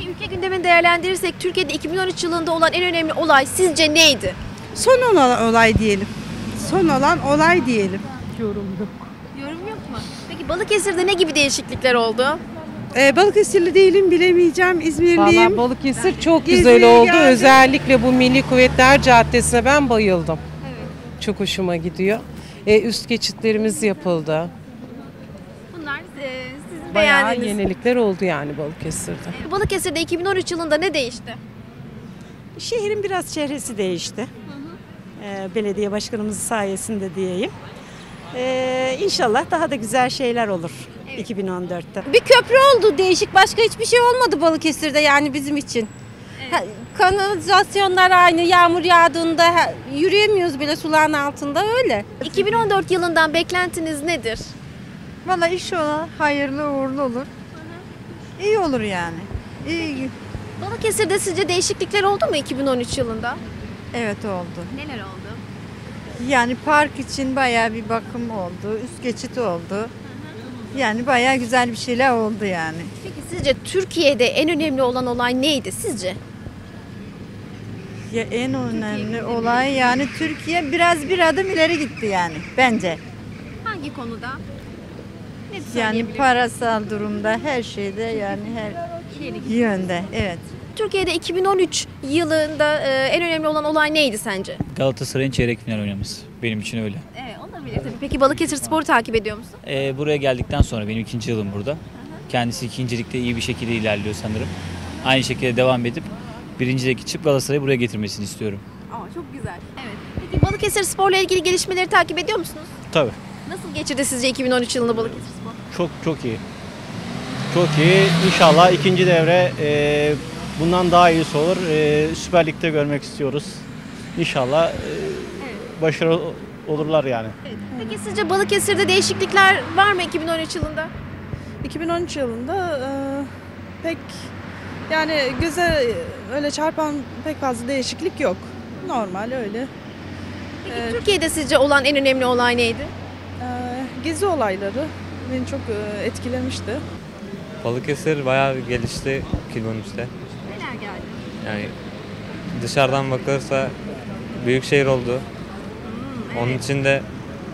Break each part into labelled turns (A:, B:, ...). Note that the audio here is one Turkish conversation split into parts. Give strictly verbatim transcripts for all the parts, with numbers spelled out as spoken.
A: Ülke gündemini değerlendirirsek Türkiye'de iki bin on üç yılında olan en önemli olay sizce neydi?
B: Son olan olay diyelim. Son olan olay diyelim.
A: Yorum yok mu? Peki Balıkesir'de ne gibi değişiklikler oldu?
B: Ee, Balıkesirli değilim, bilemeyeceğim. İzmirliyim.
C: Valla Balıkesir çok
B: Gezmeye
C: güzel oldu.
B: geldim.
C: Özellikle bu Milli Kuvvetler Caddesi'ne ben bayıldım. Evet. Çok hoşuma gidiyor. Ee, üst geçitlerimiz yapıldı.
A: Bunlar e, sizin
C: Bayağı
A: beğendiğiniz.
C: yenilikler oldu yani Balıkesir'de.
A: Balıkesir'de iki bin on üç yılında ne değişti?
D: Şehrin biraz çehresi değişti. Ee, belediye başkanımız sayesinde diyeyim. Ee, İnşallah daha da güzel şeyler olur
A: Evet.
D: iki bin on dörtte.
E: Bir köprü oldu değişik, başka hiçbir şey olmadı Balıkesir'de yani bizim için. Ha, kanalizasyonlar aynı, yağmur yağdığında ha, yürüyemiyoruz bile suların altında, öyle.
A: iki bin on dört yılından beklentiniz nedir?
B: Valla inşallah hayırlı uğurlu olur. İyi olur yani. İyi.
A: Balıkesir'de sizce değişiklikler oldu mu iki bin on üç yılında?
B: Evet oldu.
A: Neler oldu?
B: Yani park için bayağı bir bakım oldu. Üst geçit oldu. Yani bayağı güzel bir şeyler oldu yani.
A: Peki sizce Türkiye'de en önemli olan olay neydi sizce?
B: Ya en önemli olay yani Türkiye biraz bir adım ileri gitti yani bence.
A: Hangi konuda? Ne
B: Yani
A: söyleyebilirsiniz?
B: parasal durumda her şeyde yani her yönde evet.
A: Türkiye'de iki bin on üç yılında e, en önemli olan olay neydi sence?
F: Galatasaray'ın çeyrek final oynaması. Benim için öyle.
A: Evet, olabilir tabii. Peki Balıkesir Spor'u takip ediyor musun?
F: Ee, buraya geldikten sonra benim ikinci yılım burada. Kendisi ikincilikte iyi bir şekilde ilerliyor sanırım. Aynı şekilde devam edip birincilik çıkıp Galatasaray'ı buraya getirmesini istiyorum.
A: Aa, çok güzel. Evet. Peki Balıkesir Spor'la ilgili gelişmeleri takip ediyor musunuz?
G: Tabii.
A: Nasıl geçirdi sizce iki bin on üç yılında Balıkesir Spor?
G: Çok çok iyi. Çok iyi. İnşallah ikinci devre e, bundan daha iyisi olur. E, Süper Lig'de görmek istiyoruz. İnşallah e, başarılı olurlar yani.
A: Evet. Peki sizce Balıkesir'de değişiklikler var mı iki bin on üç yılında?
H: iki bin on üç yılında e, pek yani göze öyle çarpan pek fazla değişiklik yok. Normal öyle.
A: Peki
H: Evet.
A: Türkiye'de sizce olan en önemli olay neydi?
H: E, gezi olayları beni çok e, etkilemişti.
I: Balıkesir bayağı bir gelişti iki bin on üçte.
A: Neler geldi?
I: Yani dışarıdan bakılırsa büyük şehir oldu. Onun için de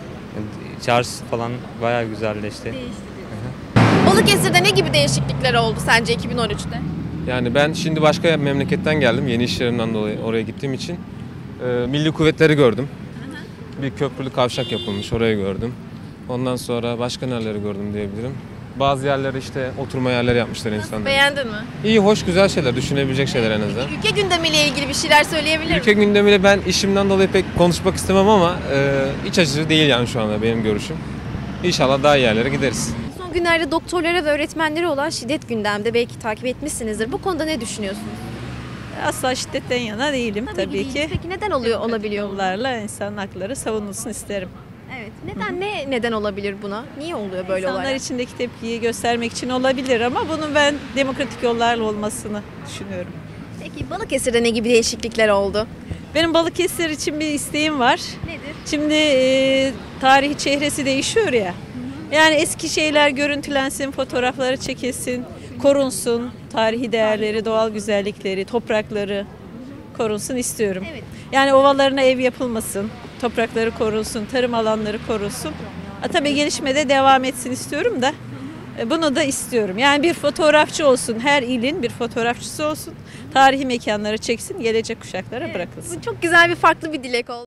I: çarşısı falan bayağı güzelleşti.
A: Değişti. Balıkesir'de ne gibi değişiklikler oldu sence iki bin on üçte?
J: Yani ben şimdi başka memleketten geldim. Yeni iş yerimden dolayı oraya gittiğim için. Ee, Milli Kuvvetleri gördüm. Bir köprülü kavşak yapılmış, orayı gördüm. Ondan sonra başka nereleri gördüm diyebilirim. Bazı yerlere işte oturma yerleri yapmışlar insanlar.
A: Beğendin mi?
J: İyi, hoş, güzel şeyler, düşünebilecek şeyler en azından.
A: Ülke gündemiyle ilgili bir şeyler söyleyebilir
J: Ülke
A: misin?
J: gündemiyle ben işimden dolayı pek konuşmak istemem ama e, iç açıcı değil yani şu anda benim görüşüm. İnşallah daha iyi yerlere gideriz.
A: Son günlerde doktorlara ve öğretmenlere olan şiddet gündemde, belki takip etmişsinizdir. Bu konuda ne düşünüyorsunuz?
K: Asla şiddetten yana değilim tabii,
A: değil.
K: ki.
A: Peki neden oluyor olabiliyor bu?
K: Yollarla insan hakları savunulsun isterim.
A: Evet. Neden ne neden olabilir buna? Niye oluyor böyle
K: İnsanlar
A: olaylar?
K: içindeki tepkiyi göstermek için olabilir ama bunun ben demokratik yollarla olmasını düşünüyorum.
A: Peki Balıkesir'de ne gibi değişiklikler oldu?
K: Benim Balıkesir için bir isteğim var.
A: Nedir?
K: Şimdi e, tarihi çehresi değişiyor ya. Yani eski şeyler görüntülensin, fotoğrafları çekilsin, korunsun. Tarihi değerleri, doğal güzellikleri, toprakları korunsun istiyorum.
A: Evet.
K: Yani ovalarına ev yapılmasın, toprakları korunsun, tarım alanları korunsun. Ha, tabii gelişmede devam etsin istiyorum da e, bunu da istiyorum. Yani bir fotoğrafçı olsun, her ilin bir fotoğrafçısı olsun. Tarihi mekanları çeksin, gelecek kuşaklara bırakılsın.
A: Bu çok güzel bir farklı bir dilek oldu.